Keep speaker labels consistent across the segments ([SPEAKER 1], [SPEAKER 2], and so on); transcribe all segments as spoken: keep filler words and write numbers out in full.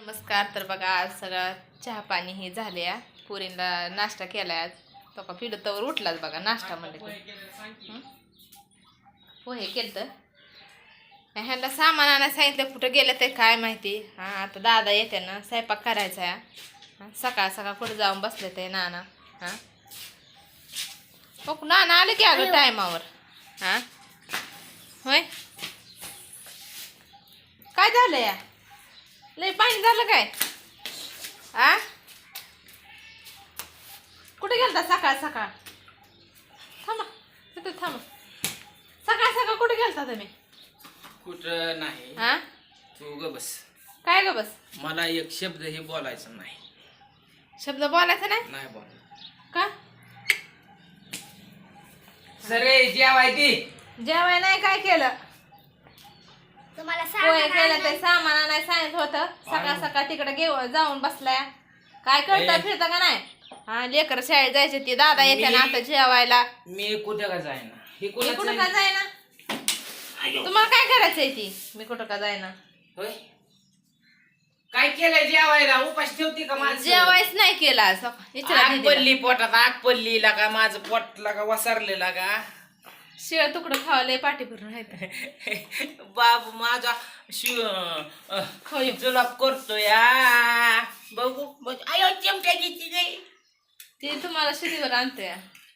[SPEAKER 1] नमस्कार. तर बघा आज सगळा चहा पाणी हे झाले. पुरीला नाश्ता केलाय. आज तो का पिढ तवर उठलाच बघा. नाश्ता म्हणले पोहे केलं तर ह्यांना सामान आणायला सांगितलं. कुठं गेलं ते काय माहिती. हा आता दादा येते ना स्वयंपाक करायचा आहे. सकाळ सकाळ कुठं जाऊन बसले ते नाना. हां मग नाना आले की अगं टायमावर. हां होय काय झालं या लय पाणी झालं काय. आ कुठे गेलता सकाळ सकाळ. थांबा तिथं थांबा. सकाळ सकाळ कुठे गेलता तुम्ही.
[SPEAKER 2] कुठं नाही.
[SPEAKER 1] हा
[SPEAKER 2] तू ग बस.
[SPEAKER 1] काय ग बस.
[SPEAKER 2] मला एक शब्द हे बोलायचं नाही.
[SPEAKER 1] शब्द बोलायचा नाही.
[SPEAKER 2] नाही बोल
[SPEAKER 1] का
[SPEAKER 2] सरे जेवाय ती
[SPEAKER 1] जेवाय नाही काय केलं.
[SPEAKER 3] तुम्हाला
[SPEAKER 1] पोहे केलं ते सामान आणायला सांगितलं होतं. सकाळ सकाळ तिकडे घेऊ जाऊन बसलाय. काय करता फिरता का नाही. हा लेकर शाळेत जायचे ती दादा येते ना आता जेवायला.
[SPEAKER 2] मी कुठं का जायना. हे
[SPEAKER 1] मी कुठं का जायना. तुम्हाला काय करायचंय ती. मी कुठं का जायना.
[SPEAKER 2] होय काय केलंय जेवायला. उपास ठेवती का माझं.
[SPEAKER 1] जेवायच नाही केला.
[SPEAKER 2] आग पडली पोटात. आग पडली लागा. माझं पोट लागा वसारलेला का.
[SPEAKER 1] शिळ तुकडं खावलंय पाठी भरून राहत.
[SPEAKER 2] बाबू माझा शिव जुलाब करतो या. बघू बघ. आयो चिमट्या घेतली नाही.
[SPEAKER 1] ते तुम्हाला शिदीवर आणतोय.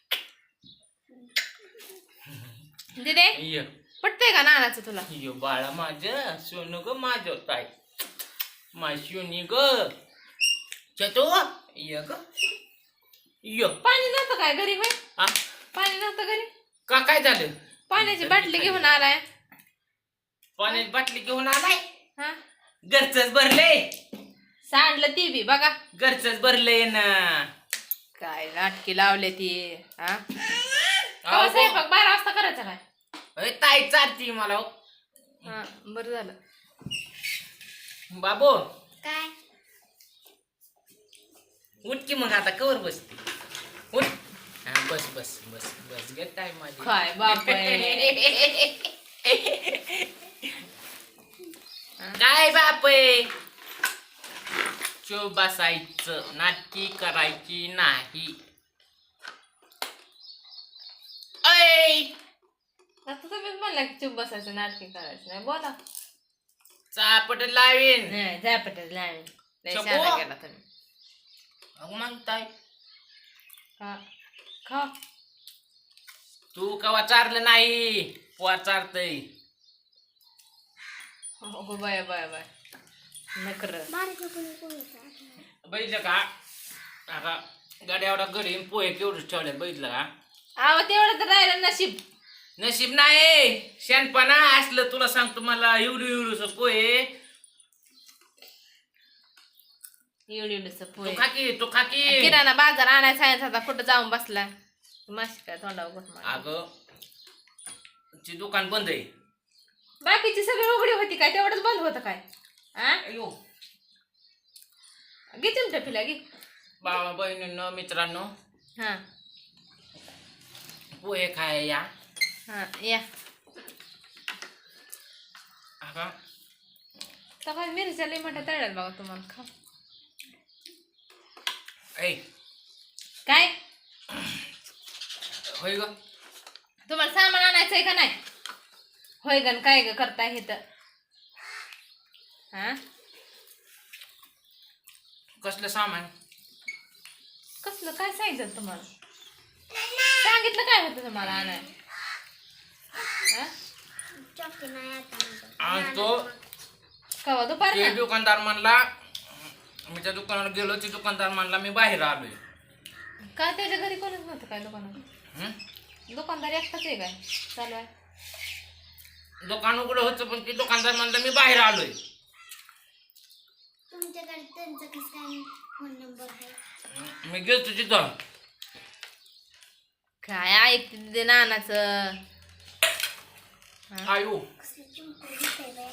[SPEAKER 1] दिदे
[SPEAKER 2] ये
[SPEAKER 1] पटतंय का नानाचं तुला.
[SPEAKER 2] यो बाळा माझं सोनू ग माझं ताई माझी सोनी ग चतो ये ग यो.
[SPEAKER 1] पाणी नव्हतं काय घरी. होय
[SPEAKER 2] आ
[SPEAKER 1] पाणी नव्हतं घरी.
[SPEAKER 2] का काय झालं.
[SPEAKER 1] पाण्याची बाटली घेऊन आलाय.
[SPEAKER 2] पाण्याची बाटली घेऊन आलाय.
[SPEAKER 1] हा
[SPEAKER 2] घरचंच भरले.
[SPEAKER 1] सांडलं ती बी बघा.
[SPEAKER 2] घरचंच भरलंय ना.
[SPEAKER 1] काय नाटकी लावले ती. हा
[SPEAKER 2] अहो,
[SPEAKER 1] स्वयंपाक बारा वाजता करायचा काय.
[SPEAKER 2] अय, ताई चालती मला हो.
[SPEAKER 1] हा बरं झालं.
[SPEAKER 2] बाबू
[SPEAKER 3] काय
[SPEAKER 2] उठ की मग आता कवर बसते. उठ हा, बस बस बस बस गे ताई माझी.
[SPEAKER 1] काय बापय.
[SPEAKER 2] काय बापय. चुप बसायचं. नाटकी करायची नाही. ऐ
[SPEAKER 1] आता तुम्हीच म्हणला की चुप बसायचं नाटकी करायचं नाही. बोला.
[SPEAKER 2] चापट लावीन.
[SPEAKER 1] नाही झॅपटच लावीन. लय
[SPEAKER 2] शंभू.
[SPEAKER 1] शहाणा गेला तुम्ही.
[SPEAKER 2] अहो मग ताई
[SPEAKER 1] खा खा.
[SPEAKER 2] तू कवा चारलं नाही. पोहा चारतय.
[SPEAKER 1] हो बाय बाय बाय नकर.
[SPEAKER 2] बघितलं का आता गाड्यावर गडी पोहे केवढंच ठेवले. बघितलं का.
[SPEAKER 1] आव तेवढं तर राहिलं नशीब.
[SPEAKER 2] नशीब नाही शेणपणा असलं. तुला सांगतो मला एवढू एवढूस पोहे.
[SPEAKER 1] एवढी एवढीच
[SPEAKER 2] तू
[SPEAKER 1] पोहे.
[SPEAKER 2] खाकी तू खाकी.
[SPEAKER 1] किराणा बाजार आणायला सांगितलं होता. कुठं जाऊन बसला. माशी काय तोंडावर घुसमार.
[SPEAKER 2] अगं ती दुकान बंद आहे.
[SPEAKER 1] बाकीची सगळी उघडी होती काय. तेवढंच बंद होतं काय. आ
[SPEAKER 2] अयो
[SPEAKER 1] घे चिमटा पिला घे.
[SPEAKER 2] बाबा बहिणींनो मित्रांनो
[SPEAKER 1] हा
[SPEAKER 2] पोहे खाय या.
[SPEAKER 1] हा या.
[SPEAKER 2] अगं
[SPEAKER 1] सकाळी मिरच्या लई मोठ्या तळल्यात बघा तुम्हाला. खा.
[SPEAKER 2] ऐ
[SPEAKER 1] काय
[SPEAKER 2] होय ग.
[SPEAKER 1] तुम्हाला सामान आणायचंय का नाही. होय गण काय ग करताय हे तर. हा
[SPEAKER 2] कसलं सामान.
[SPEAKER 1] कसलं काय सांगितलं तुम्हाला. सांगितलं काय होतं तुम्हाला आणाय.
[SPEAKER 3] चॉकी नाही आता
[SPEAKER 2] आणतो.
[SPEAKER 1] कवा दुपार
[SPEAKER 2] ते दुकानदार म्हणला. मी त्या दुकानावर गेलो. ते दुकानदार म्हणला मी बाहेर आलोय.
[SPEAKER 1] काय त्याच्या घरी कोणच नव्हतं काय दुकानात.
[SPEAKER 2] हं?
[SPEAKER 1] दुकानदार एकटाच आहे काय चालू आहे.
[SPEAKER 2] दुकान उघडं होतं पण ते दुकानदार म्हणला मी बाहेर आलोय.
[SPEAKER 3] तुमच्याकडे त्यांचा कसं काय फोन नंबर आहे.
[SPEAKER 2] मी गेलतो तिथं.
[SPEAKER 1] काय ऐकते ते नानाचं.
[SPEAKER 2] आयो
[SPEAKER 3] कसलं चिमटं दिसतंय बाई.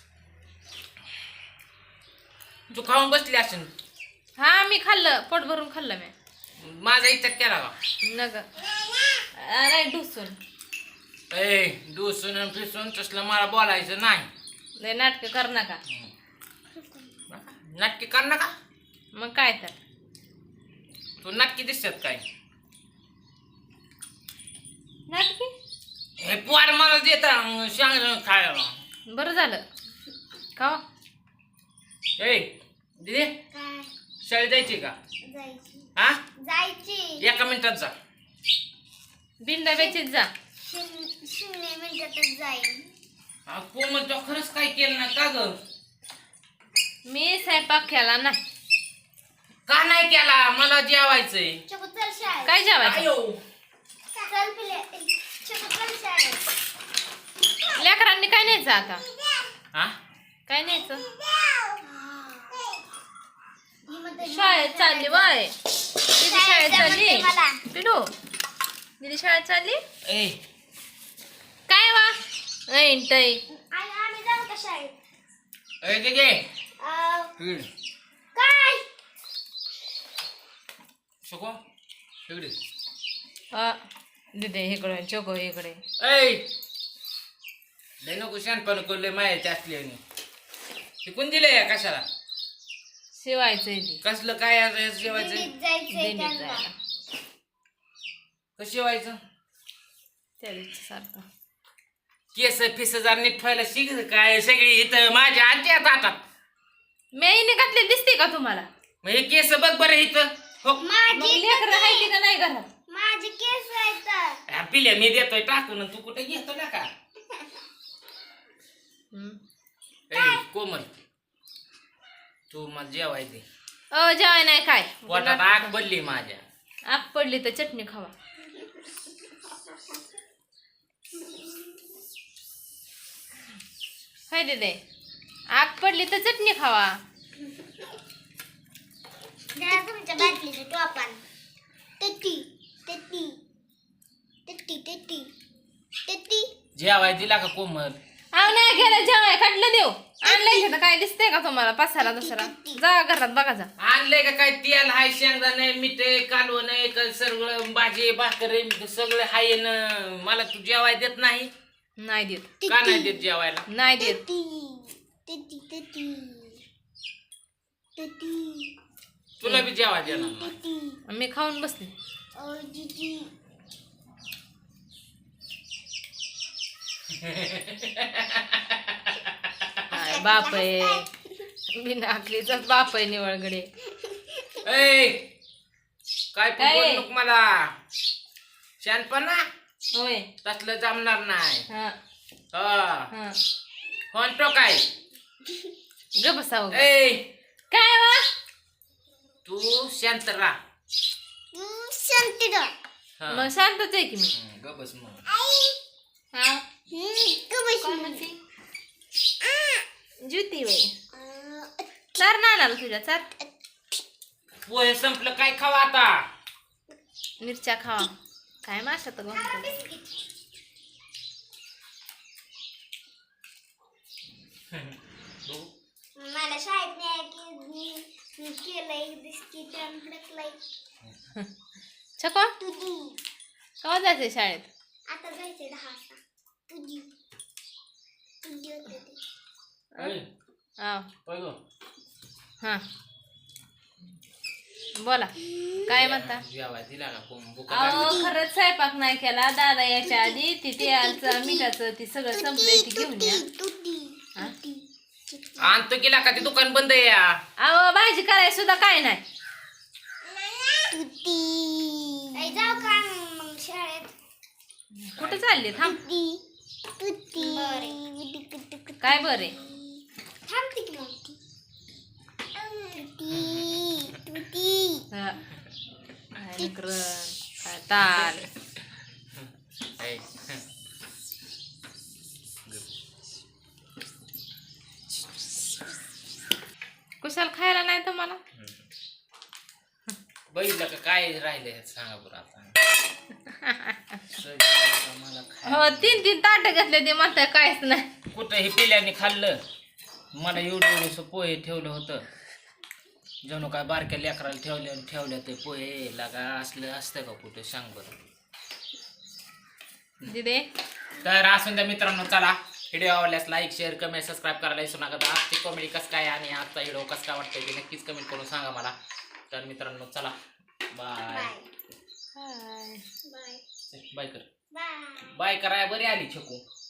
[SPEAKER 2] तू खाऊन बसली असेल.
[SPEAKER 1] हा मी खाल्लं पोट भरून खाल्लं मी.
[SPEAKER 2] माझा इच्छा केला का.
[SPEAKER 1] नग नाही डुसून.
[SPEAKER 2] ए डुसून फिसून तसलं मला बोलायचं नाही.
[SPEAKER 1] लय नाटक कर नका.
[SPEAKER 2] नाटकी कर ना का
[SPEAKER 1] मग काय तर
[SPEAKER 2] तू नाटकी दिसतात काय
[SPEAKER 1] नाटकी
[SPEAKER 2] हे पोर मला देत सांग खायला
[SPEAKER 1] बरं झालं खावा
[SPEAKER 2] ए दिदी
[SPEAKER 3] काय
[SPEAKER 2] शाळेत जायची का
[SPEAKER 3] जायची
[SPEAKER 2] हा
[SPEAKER 3] जायची
[SPEAKER 2] एका मिनिटात जा
[SPEAKER 1] बिन डब्याचीच जा
[SPEAKER 3] शून्य शून्य मिनिटातच जाईल
[SPEAKER 2] हा, कोमल तो खरंच काय केलं ना का ग
[SPEAKER 1] मी स्वयंपाक केला नाही
[SPEAKER 2] का नाही केला मला जेवायचंय
[SPEAKER 3] चकू चल शाळेत
[SPEAKER 1] काय जेवायचं
[SPEAKER 2] आयो
[SPEAKER 3] चल पिले चकू चल शाळेत
[SPEAKER 1] लेकरांनी काय न्यायचं आता
[SPEAKER 2] हा
[SPEAKER 1] काय न्यायचं
[SPEAKER 3] ही म्हणते
[SPEAKER 1] शाळेत चालली बाय दीदी शाळेत चालली
[SPEAKER 3] मला.
[SPEAKER 1] पिडू दीदी शाळेत चालली
[SPEAKER 2] ए
[SPEAKER 1] काय वा ऐंटय
[SPEAKER 3] आई आम्ही जाऊ का शाळेत
[SPEAKER 2] ए दिदी
[SPEAKER 3] अं,
[SPEAKER 2] इकडे
[SPEAKER 3] काय
[SPEAKER 2] शको इकडे
[SPEAKER 1] दीदी इकडे चोको इकडे
[SPEAKER 2] ऐ लय नको शानपण करले मायाच्या असल्याने शिकून दिले या कशाला
[SPEAKER 1] शिवायचंय ती
[SPEAKER 2] कसलं काय आता जेवायचं
[SPEAKER 3] दिल्लीत जायचंय
[SPEAKER 1] दिंडीत
[SPEAKER 3] त्यांना
[SPEAKER 1] जायला
[SPEAKER 2] कसं जेवायचं
[SPEAKER 1] त्या दिवशी सारखं
[SPEAKER 2] केस फिस जर नीट व्हायला शिक काय सगळी इथं माझ्या आजच्या हातात
[SPEAKER 1] मेईने घातले दिसते का तुम्हाला
[SPEAKER 2] मग हे केस बघ बरं इथं हो
[SPEAKER 1] मग
[SPEAKER 3] माझी
[SPEAKER 1] लेकरं आहे का नाही घरात
[SPEAKER 3] माझी केस आहेत
[SPEAKER 2] हा, पिल्या मी देतोय टाकून तू कुठे घेतो ना का
[SPEAKER 1] हम्म.
[SPEAKER 2] ए कोमल तू मला जेवाय दे
[SPEAKER 1] अ जेवाय नाही काय
[SPEAKER 2] पोटात आग पडली माझ्या
[SPEAKER 1] आग पडली तर चटणी खावा काय दे आग पडली तर चटणी खावा
[SPEAKER 3] द्या तुमच्या बाटलीचं टोपान टट्टी टट्टी टट्टी टट्टी टट्टी
[SPEAKER 2] जेवाय दिला का कोमल
[SPEAKER 1] अहो नाही गेलं जेवाय काढलं देऊ आणलंय घेतं काय दिसतंय का तुम्हाला पसारा दुसरा जा घरात बघा जा
[SPEAKER 2] आणलंय का काय तेल हाय शेंगदाणे मीठ कालवण आहे का सगळं भाजी भाकर सगळं हाय न मला तू जेवाय देत नाही
[SPEAKER 1] नाही देत
[SPEAKER 2] का नाही देत जेवायला
[SPEAKER 1] नाही देत
[SPEAKER 3] टट्टी टट्टी टट्टी
[SPEAKER 2] तुला बी जेवाय देणार नाही.
[SPEAKER 3] टट्टी
[SPEAKER 1] मी खाऊन बसले
[SPEAKER 3] ओ जीजी
[SPEAKER 1] काय बाप आहे बिना आखलीचाच बाप आहे निवळगडे
[SPEAKER 2] ऐ काय
[SPEAKER 1] काय?
[SPEAKER 2] बोल नको मला शानपणा
[SPEAKER 1] होय
[SPEAKER 2] तसलं जमणार नाही
[SPEAKER 1] हा
[SPEAKER 2] हा
[SPEAKER 1] हा
[SPEAKER 2] म्हणतो काय
[SPEAKER 1] ग बसाव
[SPEAKER 2] ऐ
[SPEAKER 1] काय वा
[SPEAKER 2] तू शांत राहा
[SPEAKER 3] शांती डॉ
[SPEAKER 2] हा.
[SPEAKER 1] मग शांतच आहे की मी
[SPEAKER 2] हं, ग बस मग
[SPEAKER 1] हा
[SPEAKER 3] कबशी
[SPEAKER 1] कोण म्हणते ज्योती बाई चार ना आला तुझ्या चार
[SPEAKER 2] पोहे संपलं काय खावा आता
[SPEAKER 1] मिरच्या खावा काय माशात गं
[SPEAKER 2] बघू.
[SPEAKER 3] मला शाळेत नाही की मी केलंय बिस्किट आणि भडकलंय
[SPEAKER 1] छको
[SPEAKER 3] तुझी
[SPEAKER 1] केव्हा जायचंय शाळेत
[SPEAKER 3] आता जायचंय दहा वाजता तुझी तुझी होते ते
[SPEAKER 2] ऐ,
[SPEAKER 1] हा
[SPEAKER 2] होय गं.
[SPEAKER 1] हा बोला काय म्हणता
[SPEAKER 2] जेवाय दिला का कोण भुका
[SPEAKER 1] अहो
[SPEAKER 2] लागली.
[SPEAKER 1] खरंच स्वयंपाक नाही केला दादा याच्या आधी ती तेलचं मिठाचं ती सगळं संपलंय ती घेऊन या
[SPEAKER 3] तुटी
[SPEAKER 1] हा?
[SPEAKER 2] आणतो गेला का ते दुकान बंद आहे या
[SPEAKER 1] अहो भाजी करायला सुद्धा काय नाही
[SPEAKER 3] तुटी आई जाऊ का मग शाळेत
[SPEAKER 1] कुठं चालली थांब
[SPEAKER 3] तुटी तुटी
[SPEAKER 1] काय बरे
[SPEAKER 3] थांबते की मग ती तुटी तुटी
[SPEAKER 1] काय लेकरं, काय ताल
[SPEAKER 2] ऐ,
[SPEAKER 1] कुशाल खायला नाही तर मला
[SPEAKER 2] बघितलं का काय राहिलंय सांगा बरं आता सगळं मला खायला.
[SPEAKER 1] हो तीन तीन ताट घेतले ते म्हणताय काहीच नाही
[SPEAKER 2] कुठं हे पिल्याने खाल्लं मला एवढं एवढंसं पोहे ठेवलं होतं जणू काय बारक्या लेकराला ठेवल्या ठेवल्या ते पोहे लागा असलं असतं का कुठे सांग बरं
[SPEAKER 1] दिदे
[SPEAKER 2] तर असून द्या मित्रांनो चला व्हिडिओ आवडल्यास लाईक शेअर कमेंट सबस्क्राईब करायला विसरू नका. तर आजची कॉमेडी कसं काय आणि आजचा व्हिडिओ कसं काय वाटतंय ते नक्कीच कमेंट करून सांगा मला. तर मित्रांनो चला bye
[SPEAKER 3] bye
[SPEAKER 1] hi
[SPEAKER 3] bye
[SPEAKER 2] bye कर
[SPEAKER 3] बाय
[SPEAKER 2] बाय कराय बरी आली छकू.